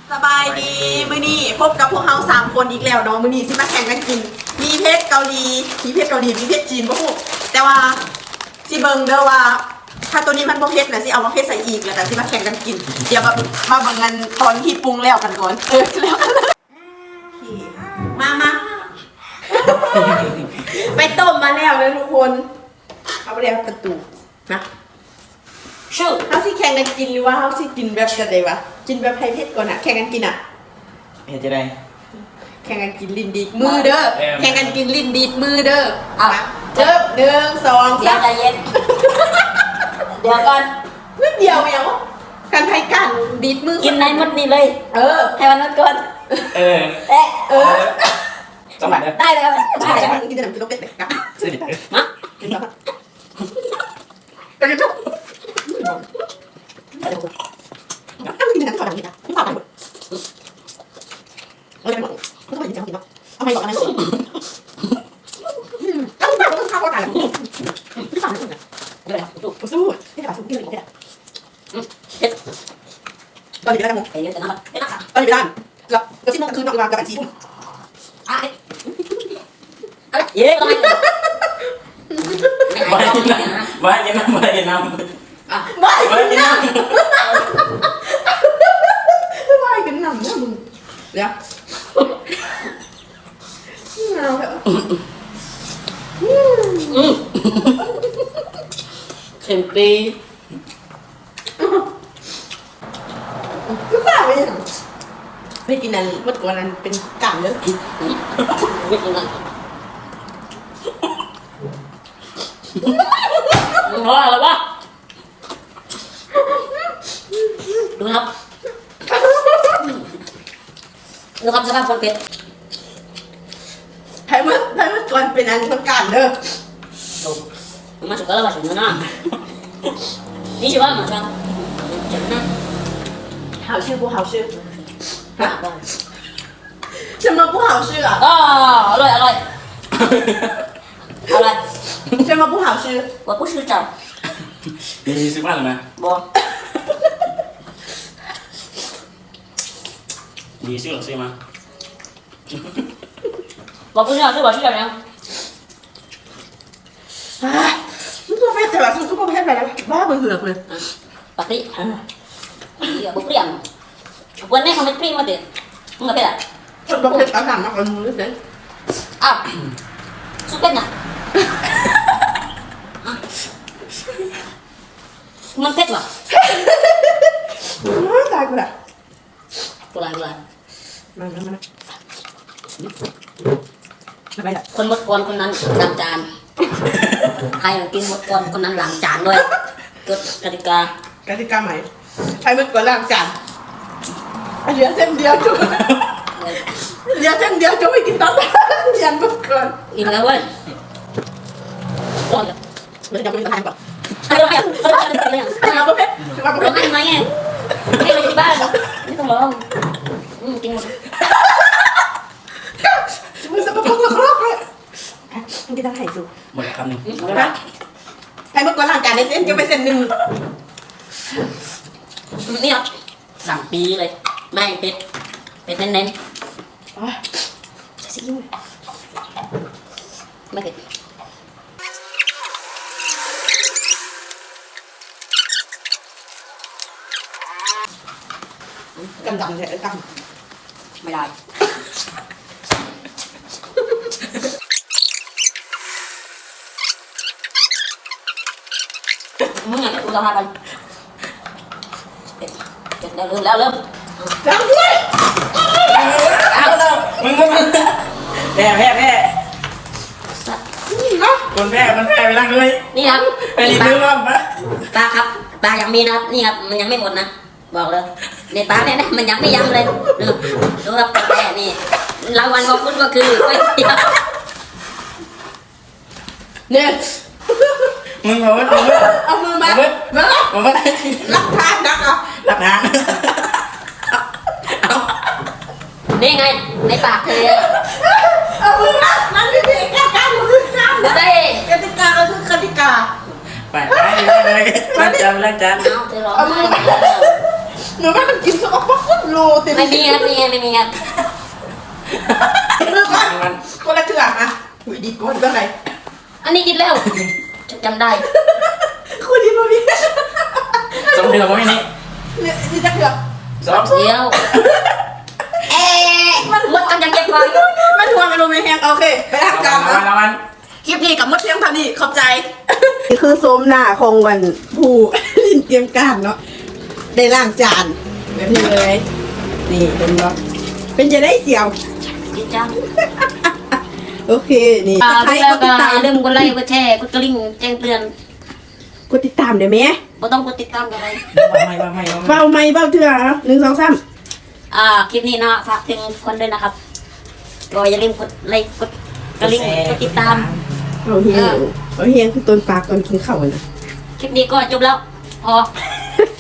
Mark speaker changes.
Speaker 1: สบายดีมื้อนี้พบกับพวกเรา3คนอีกแล้วเนาะมื้อนี้สิมาแข่งกันกินมีเพชรเกาหลีมีเพชรจีนบ่ฮู้แต่ว่าสิเบิ่งเด้อว่าถ้าตัวนี้มันบ่เผ็ดน่ะสิเอามาเผ็ดใส่อีกแล้วแต่สิมาแข่งกันกินเดี๋ยวมาเบิ่งกันตอนที่ปรุงแล้วกันก่อนแล้วกันมาไปต้มมาแล้วเลยทุกคนเอาไปแล้วประตูนะชื่อเขาสิแข่งกันกินหรือว่าเขาสิกินแบบกันเลยวะกินแบบไทยเพชรก่อนอะแข่งกันกินอะ
Speaker 2: เห็นจะได้
Speaker 1: แข่งกันกินลิ้นดีดมือเด้อแข่งกันกินลิ้นดีดมือเด้อเอาเริ่ม1 2
Speaker 3: เดี๋ยวใจเย็นเดี๋ยวก่อน
Speaker 1: นิดเดียวแมวกันไทยกันดีดมือ
Speaker 3: กินในมดนี่เลยให้มันนัดก่อน
Speaker 2: สมัย
Speaker 3: ได้เลยครับ
Speaker 1: ได้เลยกินแต่หนังกินรสเป็ดนะ
Speaker 3: มา
Speaker 1: กินแล้วกันจุ๊บเอากินแต่หนังขอดังนิดนะไม่ขอดังหมดเอาไปหมดเขาต้องไปกินแล้วเอาไปบอกอะไรต้องข้าวกันไม่ฟังนะ
Speaker 3: เดี๋ยว
Speaker 1: สู้ไม่ได้สู้กินอะไรตอนนี้ได้ไหม
Speaker 3: เดี๋ยวจะน้ำเดี๋ยวน้ำ
Speaker 1: ตอนนี้ได้แล้วที่นู่นคือนอกวางกับบัญชีพุ่ง
Speaker 3: เย้ทำไม
Speaker 2: ไม่กินน้ำไม่กินน้ำ
Speaker 1: นะมึงเดี๋ยว
Speaker 3: เข็มปี
Speaker 1: ก็บ้าไปยังไม่กินนั้นเมื่อก่อนนั้นเป็นกามเยอะ
Speaker 3: ไม่กินกันเพราะอะไรวะดูครับดูครับสภาพคนเป็ด
Speaker 1: ให้เมื่อก่อนเป็นอันเป็นกามเด้อ
Speaker 3: มาสุดแล้วมาสุดแล้วนะนี่ชื่อว่ามาจังจังนะ
Speaker 1: 好吃不好吃什么不好吃啊
Speaker 3: อร่อยอร่อย
Speaker 1: 什么不好吃
Speaker 3: 我不是จัง
Speaker 2: มีซื้อบ้านหรือไม่
Speaker 3: บ่
Speaker 2: มีซื้อหรือซื้อมา
Speaker 3: 我不是想吃我是小人
Speaker 1: มันก็ไม่แต่ว่ามันก็ไม่ให้ไปแล้วบ้าเบื่อเลย
Speaker 3: ปกติบุเปรี้ยงวันนี้เขาไม่เปรี้ยงมาเด็ดมึงกับเป็ดอ่ะ
Speaker 1: ชอบเป็ดอาหารมากกว่ามึงเลย
Speaker 3: อ้าวซุปเป็ดน่ะมันเป็ดเหรอ
Speaker 1: ตายกูละ
Speaker 3: กูละ
Speaker 1: มา
Speaker 3: คนหมดก่อนคนนั้นล้างจานใครกินหมดก่อนคนนั้นล้างจานด้วยกติก
Speaker 1: าใหม่ใครเมื่อก่อนล้างจานเหลือเส้นเดียวจุ๊บเหลือเส้นเดียวจุ๊บไม่กินตั้งเย็นเมื่อก่อน
Speaker 3: อิ่มแล้วเว้ย
Speaker 1: มันจะไม่ทานก่อน
Speaker 3: เอาประเภทร้องไห้ไหมไงให้ไปที่บ้านไม่ต้องร้องกินหมด
Speaker 1: มึงจะมาพักครอบเลยมึงกินตั้งไห่สู
Speaker 2: หมดคำหนึ่ง
Speaker 1: ใครเมื่อก่อนล้างจานในเส้นจะไปเส้นหนึ่ง
Speaker 3: นี่ครับสั่งปีเลยไม่เป็ดเน้น
Speaker 1: ซีอิ๊ว
Speaker 3: ไม่เผ็ด
Speaker 1: กำเลยก
Speaker 3: ำไม่ได้มึงไงกูจะพาไปเริ่ม
Speaker 1: จังด้วย
Speaker 2: เอาเลยมึงก็มันแพ้คนแพ้มันแพ้ไปนั่งเลย
Speaker 3: นี่ครับ
Speaker 2: ไปรีวิวบ้างปะ
Speaker 3: ตาครับตายังมีนะครับนี่ครับมันยังไม่หมดนะบอกเลยในตาเนี่ยมันยังไม่ย้ำเลยดูครับแพ้นี่รางวัลของคุณก็คือ
Speaker 1: เนี่ย
Speaker 2: มึงบอกว่า
Speaker 1: เอามือมารับทานนักอ่ะ
Speaker 2: รับทาน
Speaker 3: นี่ไงในปากเธอ
Speaker 1: เอามือมานั่นนี่กติกาคือกติกาก็คือกติกา
Speaker 2: ไปล้างจาน
Speaker 3: เอาเธอร้องไห้
Speaker 1: หนูว่ามันกินสกปรกโลเต็ม
Speaker 3: ไม่มีครับไม่มีครับ
Speaker 1: เรื่องก่อนคนละเถื่อนนะหุยดีก้นก็ไง
Speaker 3: อันนี้กินแล้วฉันจำได้
Speaker 1: คุณดีมาพี่
Speaker 2: สมเดือมั้ยนี่
Speaker 1: เนี่ยนี่จะเถื่อน
Speaker 2: สอง
Speaker 3: เดี๋ยวมันมดกันยังเก็บไว้
Speaker 1: มันทัวร์มันโรเมแฮงโอเคไปล้างจาน
Speaker 2: รางวัล
Speaker 1: คลิปนี้กับมดเพียงเท่านี้ขอบใจนี่คือโซมหน้าของวันผู้ลินเตรียมการเนาะได้ล้างจานแบบนี้เลยนี่เป็นเนาะเป็นจะได้เสียว
Speaker 3: กินจัง
Speaker 1: โอเคนี่
Speaker 3: แล้ว
Speaker 1: ใคร
Speaker 3: ก็
Speaker 1: กดติดตาม
Speaker 3: อย่าลืมกดไลค์กดแชร์กดกระดิ่งแจ้งเตือน
Speaker 1: กดติดตามได้ไหม
Speaker 3: บ่ต้องกดติดตามกันเลย
Speaker 2: ไม่
Speaker 1: เบาไม่เบาเถื่อ1 2 3
Speaker 3: คลิปนี้เนาะฝากถึงคนด้วยนะครับก็อย่าลืมกดไลค์กดกระดิ่งกดติดตาม
Speaker 1: เอาเฮียงคือต้นปลาตอนกินข้าวนะ
Speaker 3: คลิปนี้ก็จบแล้ว พอ